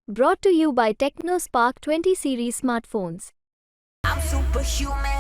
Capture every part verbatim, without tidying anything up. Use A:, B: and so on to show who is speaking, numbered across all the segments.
A: Brought to you by TechnoSpark twenty series smartphones.
B: I'm superhuman.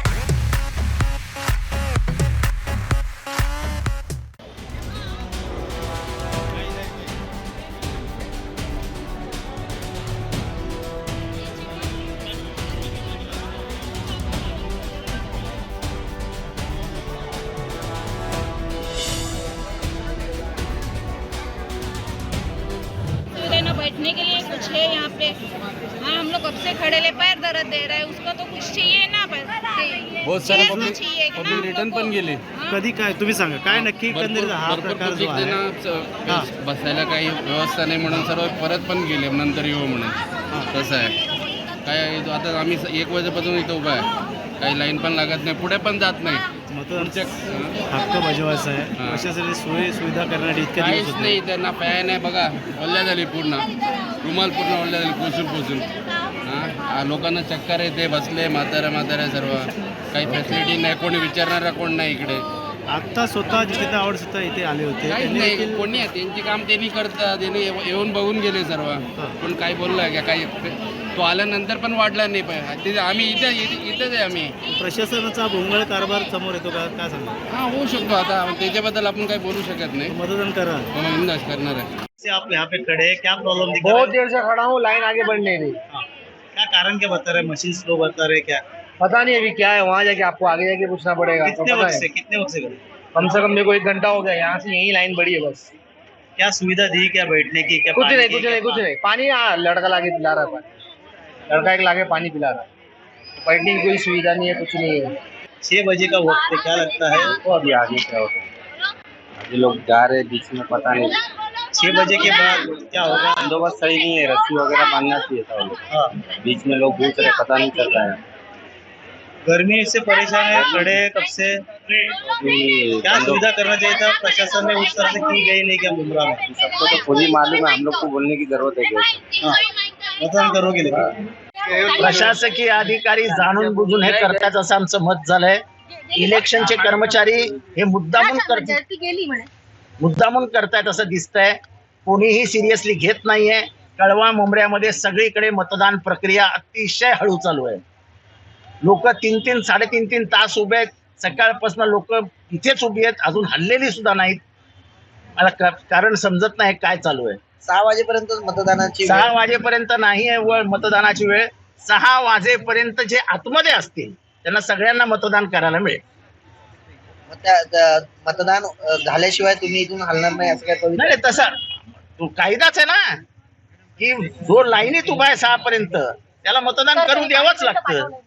C: सुविधा न बैठने के लिए कुछ है यहाँ पे। हाँ, हम लोग कब से खड़े ले, पैर दर्द दे रहा है, उसका तो कुछ चाहिए ना।
D: बहुत सारे पब्लिक पब्लिक रिटर्न पण गेले.
E: कधी काय तुम्ही सांगा काय नक्की एकंदरीत हा
D: भरपूर
E: प्रकार जो
D: पब्लिक
E: आहे
D: त्यांना
E: हां.
D: बसायला काही व्यवस्था नाही म्हणून सर्व परत पण गेले, नंतर येऊ म्हणून. तसं आहे काय. आता आम्ही एक वाजेपासून इथं उभा आहे, काही लाईन पण लागत नाही, पुढे पण जात नाही.
E: मतदान
D: हां.
E: हक्क बजावायचा आहे
D: हां.
E: प्रशासनाने सोयी सुविधा करण्यासाठी इतक्या दिवस
D: काहीच
E: होते.
D: नाही, त्यांना फॅन आहे बघा, ओल्या झाली पूर्ण, रुमाल पूर्ण ओल्या झाली पोचून पोचून. हां, लोकांना चक्कर येते, बसले म्हाताऱ्या म्हाताऱ्या सर्व, काही फॅसिलिटी नाही, कोणी विचारणारा कोण नाही इकडे.
E: आता स्वतः जिथे आवड सुद्धा इथे आले होते
D: काहीच
E: त्यांनी
D: नाही,
E: देखील
D: कोणी आहे त्यांची काम त्यांनी करतात, त्यांनी येव- येऊन बघून गेले सर्व. पण काय बोलला का काही, तो आल्यानंतर पण वाढला नाही पाहिजे. तिथे आम्ही इथं इथं- इथंच आहे आम्ही.
E: प्रशासनाचा भोंगळ कारभार समोर येतो का काय सांगा.
D: हां, होऊ शकतो. आता त्याच्याबद्दल आपण काही बोलू शकत नाही.
E: मतदान करा
D: म्हणून अंदाज करणार आहे.
E: से आप यहाँ पे खड़े हैं, क्या प्रॉब्लम दिख रहा
F: बहुत
E: है?
F: देर से खड़ा हूँ, लाइन आगे बढ़ नहीं रही।
E: हाँ. क्या कारण क्या बता रहे हैं, मशीन स्लो बता रहे हैं क्या?
F: पता नहीं अभी क्या है, वहाँ जाके आपको आगे जाके पूछना पड़ेगा। तो
E: कितने
F: पता
E: वक्त
F: है।
E: से कितने वक्त से खड़े?
F: कम से कम मेरे को एक घंटा हो गया, यहाँ से यही लाइन बड़ी है बस।
E: क्या सुविधा दी, क्या बैठने की, क्या
F: कुछ
E: पानी
F: नहीं
E: की,
F: कुछ
E: क्या
F: नहीं कुछ
E: पा-
F: नहीं, पानी हाँ लड़का लाके पिला रहा है, पानी लड़का एक लाके पानी पिला रहा है। बैठने की कोई सुविधा नहीं है, कुछ नहीं है।
E: छह बजे का वक्त है, क्या लगता है?
G: तो अभी आगे क्या होगा, अभी लोग जा रहे हैं बीच में, पता नहीं
E: छह बजे के बाद क्या होगा?
G: बंदोबस्त सही नहीं है, रस्सी वगैरह बांधना चाहिए था वो लोग.
E: हाँ.
G: बीच में लोग घुस रहे, पता नहीं चल रहा है.
E: गर्मी से परेशान है, खड़े हैं कब से.
G: अभी
E: क्या सुविधा करना चाहिए था, प्रशासन ने उस तरह से की गई नहीं क्या मुमरा में?
G: सबको तो खुद ही मालूम है, हम लोग को बोलने की जरूरत है क्या?
E: हाँ. मतदान करोगे लेकिन
H: प्रशासकीय अधिकारी जाणून बुजून हे करतात असं आमचं मत झालंय. इलेक्शनचे कर्मचारी हे मुद्दामून करतात मुद्दामून करतायत असं दिसतंय. कोणीही सिरियसली घेत नाहीये. कळवा मुंबऱ्यामध्ये सगळीकडे मतदान प्रक्रिया अतिशय हळू चालू आहे. लोक तीन तीन साडेतीन तीन तास उभे आहेत. सकाळपासून लोक इथेच उभी आहेत, अजून हल्लेली सुद्धा नाहीत. मला क- कारण समजत नाही काय चालू आहे.
I: सहा वाजेपर्यंत मतदानाची
H: सहा वाजेपर्यंत नाही आहे वेळ मतदानाची वेळ. सहा वाजेपर्यंत जे आतमध्ये असतील त्यांना सगळ्यांना मतदान करायला मिळेल.
I: मग त्या- त्या मतदान अ, झाल्याशिवाय तुम्ही इथून हलणार नाही असं काय पवित्र
H: नाही नाही, तसा तो कायदाच आहे ना की जो लाईनीत उभा आहे सहा पर्यंत त्याला मतदान करू द्यावंच लागतं.